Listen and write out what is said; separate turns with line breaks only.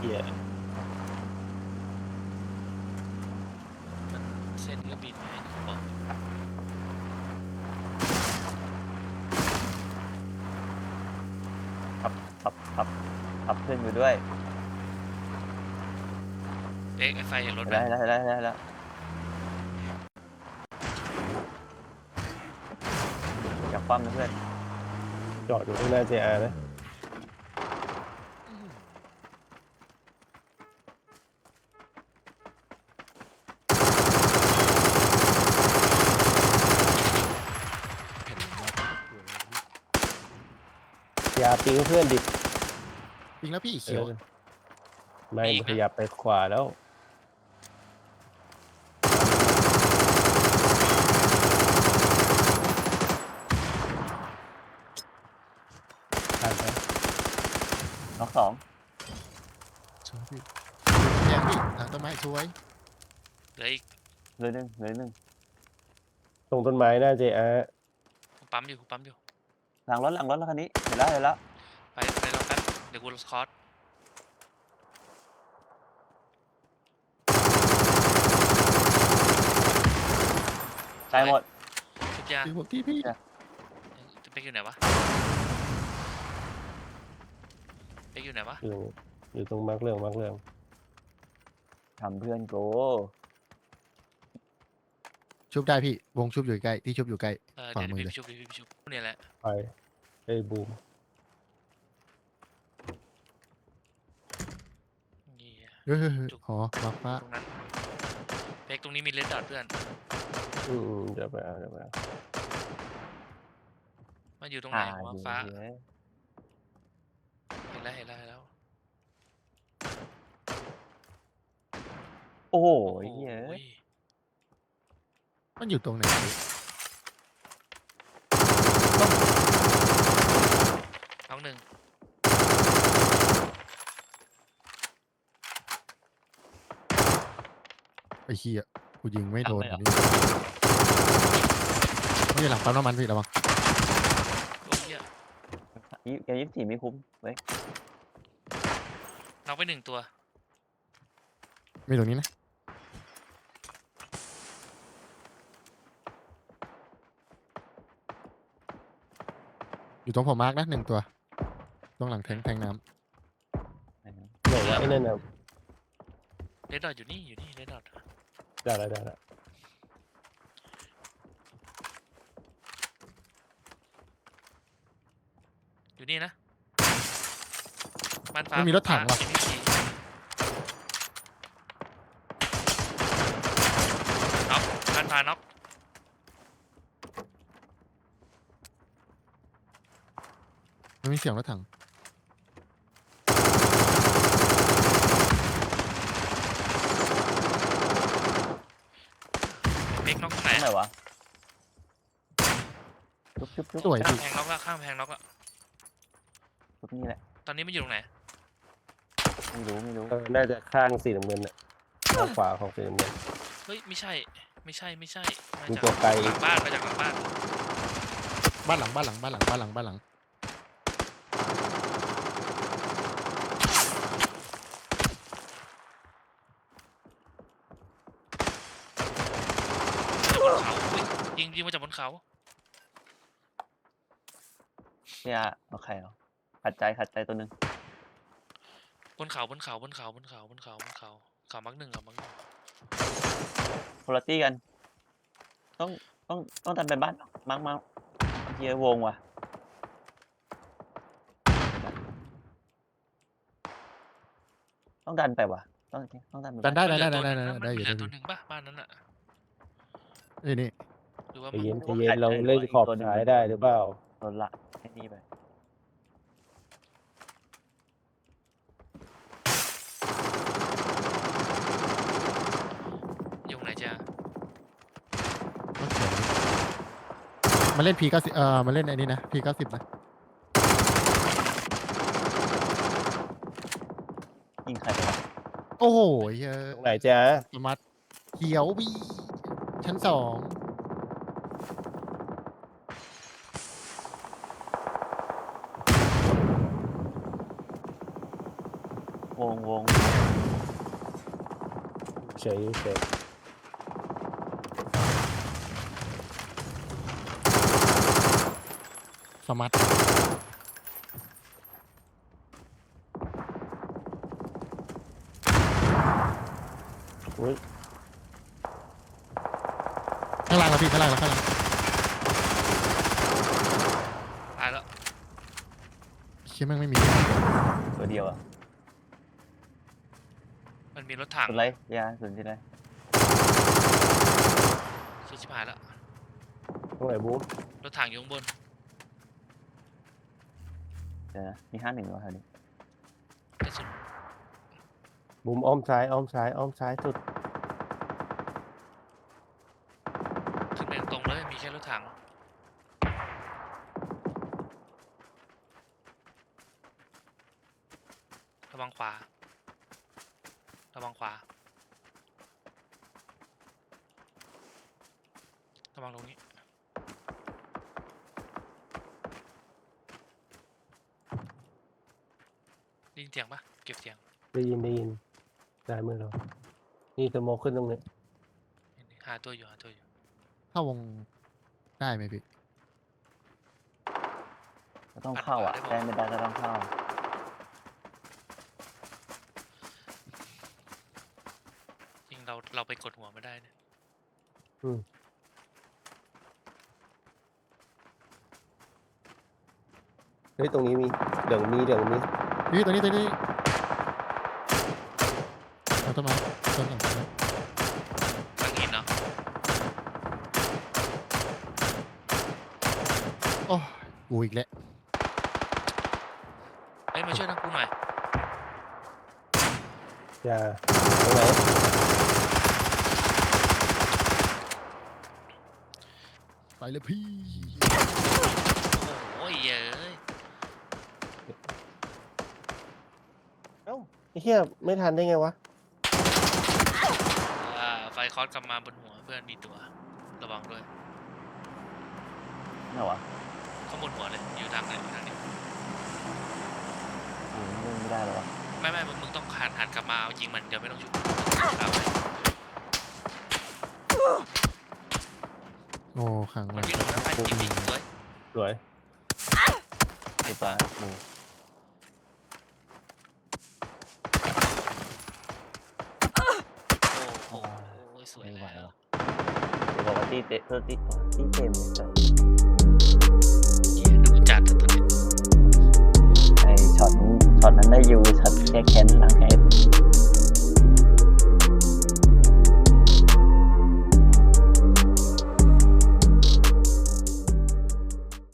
หี้ย
มันเส้นก็บินไงบอก
ขับขึ้นอยู่ด้วย
เอ๊ะไอ้ไฟเห็นรถไหม
ได้แล้วอย่าคว่ำนะเพื่อน
จอดอยู่ข้างหน้า JR นะอย่าปิ้งเพื่อนดิ
ปิงแล้วพี่เขียว
ไม่ขยับไปขวาแล้วผ่านไป
น็อกสอง
สวยพี่แย่พี่ทางต้นไม้สวย
เหลืออีก
เหลือหนึ่ง
ตรงต้นไม้หน้า JR
กูปั๊มอยู่
หลังรถแล้วคันนี้เห็นแล้ว
ไปรอแป๊บเดี๋ยวกูลดคอร์ส
ตายหมด
ชุดยา
พี่บอกพี่
จะไปอยู่ไหนวะไปอยู่ไหนวะ
อยู่ตรงมาร์กเรื่อง
ทำเพื่อนโก
ชุบได้พี่วงชุบอยู่ใกล้ที่ชุบอยู่ใกล้ ขวา
เดี๋ยว
มือ
พี่
เลย
ไปชุบเนี่ยแหละ
ไปไอ้บูม
นี่
เฮ้ยหอมาฟ้า
ตรงนั้นเป๊กตรงนี้มีเลดดอทเพื่อน
เดี๋ยวไปเอา
มันอยู่ตรงไหนวะฟ้า
อยู่
เห็นแล้ว
โอ้โห
โอ้
เหี้ย
โห
มันอยู่ตรงไหนพี่
น้องหนึ่ง
ไอ้เหี้ยกูยิงไม่โดนนี่ไม่ใช่หลังปั๊มน้ำมันพี่ระวัง
โอ้ยเหี้ย
แก24ไม่คุ้มเว้ย
น้องไปหนึ่งตัว
มีตรงนี้นะอยู่ตรงผมมาร์กนะ1 ตัวตรงหลังแทงน้
ไหนวะไอ้นั่นน่ะ
เลดดอทอยู่นี่เลดดอท
ได้แล้ว
อยู่นี่นะบ้านฟ้า
ำไม่มีรถถังหรอ
MPC น็อกบ้านฟ้าน็อก
มันมีเสียงรถถัง
เป๊กน็อกตรงไหน
ตรงไหนวะชุบ
สวย
ข้าม
พี่
แพงน็อกละข้ามแพงน็อกละ
ชุบนี่แหละ
ตอนนี้มันอยู่ตรงไหน
ไม่รู้
น่าจะข้างสีน้ำเงินน่ะข้างขวาของสีน้ำเงิน
เฮ้ยไม่ใช่มา
มี
จาก
ตัวไกล
หลังบ้านมาจากหลังบ้าน
บ้านหลัง
จากบนเขาอุ๊ยยิงมาจากบนเขา
เนี่ยเอาใครเอาขัดใจตัวหนึ่ง
บนเขาเขามักหนึ่ง
โพลาตี้กัน ต้องดันไปบ้านมาร์กเฮียวงว่ะต้องดันไปว่ะต้องดันไป
ดันได้
มันเหลือ
ได้อยู่
เหลื
ได้
อ
อ
ตัว
ยู่
หนึ่งป่ะบ้านนั้นอ่ะ
นี่
หรือว่า
ใจ
มัน
เย็นเราเล่นขอบซ้ายได้หรือเปล่า
โดนละแค่นี้ไป
อยู่ไหนจ้า
โอเคมาเล่น P90 มาเล่นไอ้นี่นะ P90 นะ
ยิงใครไปวะ
โอ้โหเหี้ย
ตรงไหนจ๊ะ
สมาร์ทเขียวบีชั้น2
วง
เฉยเฉย
สมัต
อุ้ย
ข้างล่างแล้วพี่ข้างล่างแล้วข้างล่าง
ตายแล้ว
เชี่ยแม่งไม่มี
ตัวเดียวอ่ะ
มันมีรถถัง
สุดไรยาสุดที่ไร
ชิบหายแล้ว
ตรงไหนบูม
รถถังอยู่ข้างบน
เดี๋ยวนะมี51วะแถวนี้
กระสุน
บูมอ้อมซ้ายอ้อมซ้ายอ้อมซ้ายสุด
ขึ้นไปตรงเลยมีแค่รถถังระวังขวาระวังขวาระวังตรงนี้ได้ยินเสียงปะเก็บเสียง
ได้ยินได้มือเรานี่สโมกขึ้นตรงนี้
หาตัวอยู่
เข้าวงได้ไหมพี่
ก็ต้องเข้าอ่ะได้ไม่ได้ก็ต้องเข้า
จริงเราไปกดหัวไม่ได้เนี่ย
เฮ้ยตรงนี้มีเดี๋ยวมี
พี่ตัวนี้เอาต้นไม้ต้นหนึ่ง
ทางหินเนาะ
โอ้ยกูอีกแล้ว
เฮ้ยมาช่วยทางกูหน่อย
อย่าตรงไหน
ไปเลยพี่
โอ้โหเย้ย
เอ้าไอ้เหี้ยไม่ทันได้ไงวะ
ไฟคอร์สกลับมาบนหัวเพื่อนมีตัวระวังด้วย
ไหนวะ
ข้างบนหัวเลยอยู่ทางไหนอยู่ทางนี้
ไม่ได้แล้ววะ
ไม่มึงต้องหันกลับมาเอายิงมันเดี๋ยวไม่ต้องชุบเอาไป
โอ้ขัง
มั
มาน
วิ่งลงน้ำไปยิงสวย
สวย
ตัวปลาหมู
โอ้สวย
ไม่ไหว
แล้ว
วะเดี๋ยวบอกว่าตีเตะตีเต็มเลย
เหี้ยดูจัดตอนนี้
ไอช็อตนั้นได้อยู่ช็อตแก้แค้นล้างแค้น